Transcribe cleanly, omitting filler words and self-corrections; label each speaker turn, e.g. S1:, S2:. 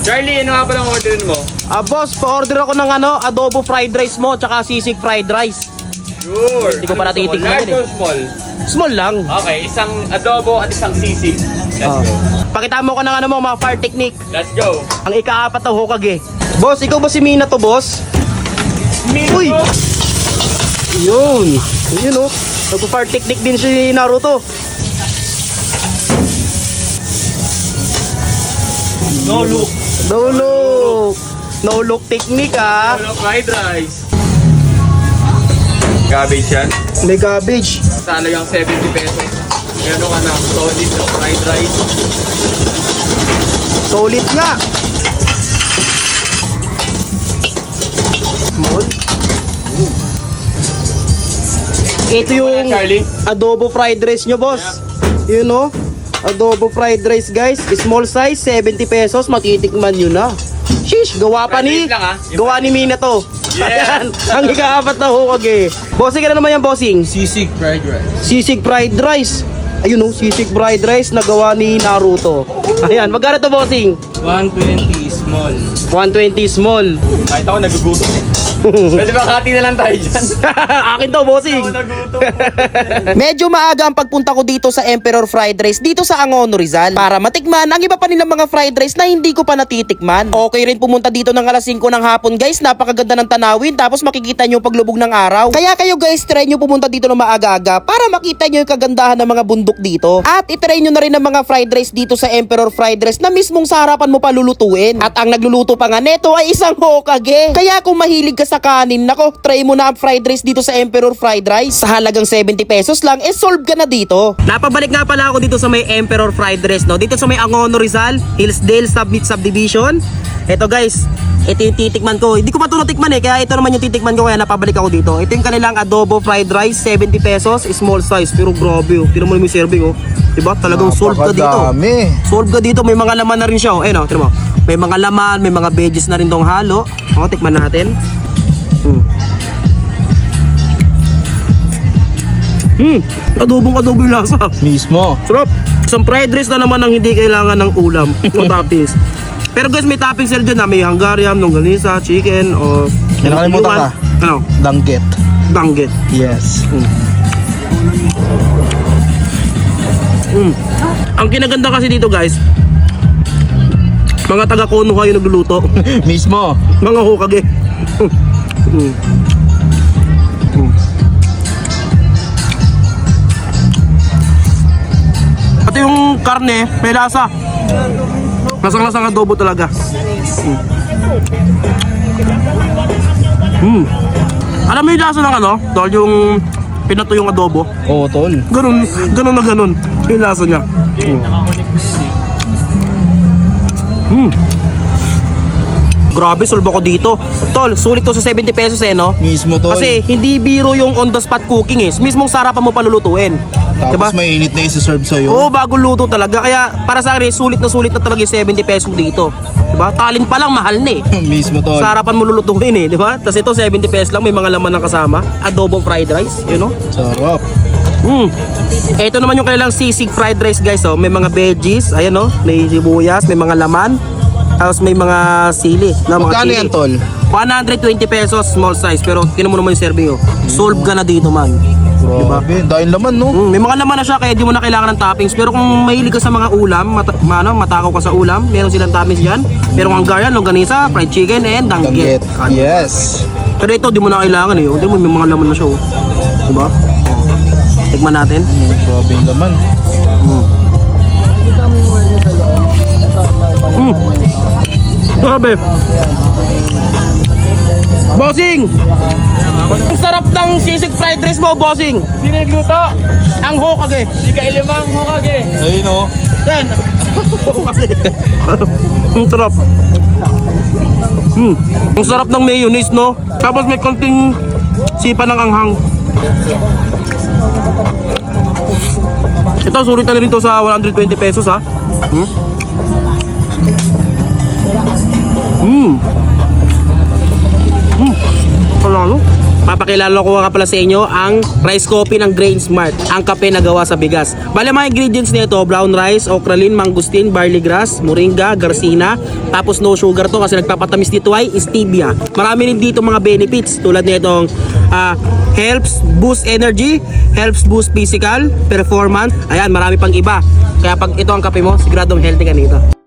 S1: Charlie, ano nga palang orderin mo?
S2: Boss, pa-order ako ng adobo fried rice mo, tsaka sisig fried rice.
S1: Sure.
S2: Hindi ko pa natitikman
S1: Large
S2: yun
S1: or small?
S2: Small lang.
S1: Okay, isang adobo at isang sisig. Let's go.
S2: Pakita mo ko ng mga fire technique.
S1: Let's go.
S2: Ang ika-4 na Hokage. Boss, ikaw ba si Mina to, boss? Uy! Yun. Yun, oh. Nagpo-fire technique din si Naruto.
S1: No look.
S2: No look. No look technique, ah.
S1: Ano fried rice? Cabbage yan.
S2: May cabbage.
S1: Talagang 70 pesos. Meron ka na solid na fried rice.
S2: Solid nga. Small. Ito yung
S1: Charlie?
S2: adobo fried rice nyo, boss. You know? Adobo fried rice, guys. Small size, 70 pesos. Matitikman nyo na. Sheesh, gawa pa ni...
S1: Fried rice lang, ah.
S2: Gawa ni Mina to.
S1: Yeah.
S2: Ayan, ang ika-4 na Hokage. Bossing, ano naman yan, bossing?
S1: Sisig fried rice.
S2: Sisig fried rice. Ayun, oh, sisig fried rice na gawa ni Naruto. Ayan, magkano to, bossing?
S1: 120 small.
S2: 120 small.
S1: Kahit ako nagugutom. Pwede ba kati na lang tayo dyan?
S2: Akin to, bossing.
S1: Ako nagugutom.
S2: Medyo maaga ang pagpunta ko dito sa Emperor Fried Rice dito sa Angono, Rizal para matikman ang iba pa nilang mga fried rice na hindi ko pa natitikman. Okay rin pumunta dito ng alas 5 ng hapon, guys. Napakaganda ng tanawin tapos makikita nyo yung paglubog ng araw. Kaya kayo, guys, try nyo pumunta dito ng maaga-aga para makita nyo yung kagandahan ng mga bundok dito. At itry nyo na rin ang mga fried rice dito sa Emperor Fried Rice na mismong sa harapan mo pa lulutuin. At ang nagluluto pa nga neto ay isang Hokage. Kaya kung mahilig ka sa kanin, nako, try mo na ang fried rice dito sa Emperor Fried Rice. Sa halagang 70 pesos lang, solve ka na dito. Napabalik nga pala ako dito sa may Emperor Fried Rice, no? Dito sa may Angono, Rizal, Hillsdale Subdivision. Ito, guys, ito yung titikman ko. Hindi ko pa ito natikman kaya ito naman yung titikman ko kaya napabalik ako dito. Ito yung kanilang adobo fried rice, 70 pesos, small size. Pero grabe, oh. Tira mo naman yung serving, oh. Diba? Talagang solve ka dito. Solve ka dito, may mga laman na rin siya, oh. Ayun, oh, tira mo. May mga laman, may mga veggies na rin tong halo. O, tikman natin. Adobo yung lasa.
S3: Mismo.
S2: Sarap. Isang fried rice na naman ang hindi kailangan ng ulam o toppings. Pero guys, may toppings sila dyan na may Hungarian, longganisa, chicken, o...
S3: Nakalimutan ka.
S2: Ano?
S3: Danggit.
S2: Danggit.
S3: Yes.
S2: Ang kinaganda kasi dito, guys, mga taga-kono kayo nagluluto.
S3: Mismo.
S2: Mga Hokage. At yung karne, may lasa. Lasang-lasang adobo talaga. Alam mo yung lasa ng tol, yung pinato yung adobo.
S3: Oo, tol.
S2: Ganun na ganun. Yung lasa niya. Grabe, solve ako dito. Tol, sulit to sa 70 pesos no?
S3: Mismo, tol.
S2: Kasi hindi biro yung on the spot cooking mismong sarapan mo palulutuin.
S3: Tapos
S2: Diba?
S3: mainit na isi-serve sa'yo.
S2: Oo, bago luto talaga. Kaya para sa akin, sulit na talaga yung 70 pesos dito. Diba? Talin pa lang, mahal na
S3: Mismo, tol.
S2: Sa harapan mo lulutuin diba? Tapos ito, 70 pesos lang, may mga laman ng kasama. Adobong fried rice, you know?
S3: Sarap.
S2: Ito naman yung kanilang sisig fried rice, guys, oh. May mga veggies, ayan, oh. May sibuyas, may mga laman. Tapos may mga sili. Na, mga
S3: Magkano
S2: sili.
S3: yan, tol?
S2: 120 pesos, small size. Pero tinan mo naman yung serving, oh. Solve ka na dito, man.
S3: Grabe. Dahil laman, no?
S2: May mga laman na siya kaya di mo na kailangan ng toppings. Pero kung mahilig ka sa mga ulam, matakaw ka sa ulam, meron silang toppings dyan. Merong Hungarian, longganisa, fried chicken, and danggit.
S3: Danggit. Yes.
S2: Pero ito, di mo na kailangan Di mo, may mga laman na siya, oh. Diba? Tikman natin.
S3: Grabe yung laman.
S2: Grabe. Bossing! Ang sarap ng sisig fried rice mo, bossing.
S1: Sino nagluto?
S2: Ang Hokage.
S1: Si Kailimang Hokage.
S3: Ayun, no?
S2: Yan. Ang sarap. Ang sarap ng mayonnaise, no? Tapos may konting sipa ng anghang. Ito, sulit na rin to sa 120 pesos, ha? Palalo. papakilala ko nga pala sa inyo ang rice coffee ng Grain Smart, ang kape na gawa sa bigas. Bale mga ingredients nito, brown rice, okralin, mangustin, barley grass, moringa, garcina, tapos no sugar to kasi nagpapatamis dito ay stevia. Marami rin dito mga benefits tulad nitong helps boost energy, helps boost physical performance. Ayan, marami pang iba. Kaya pag ito ang kape mo, siguradong healthy ka nito.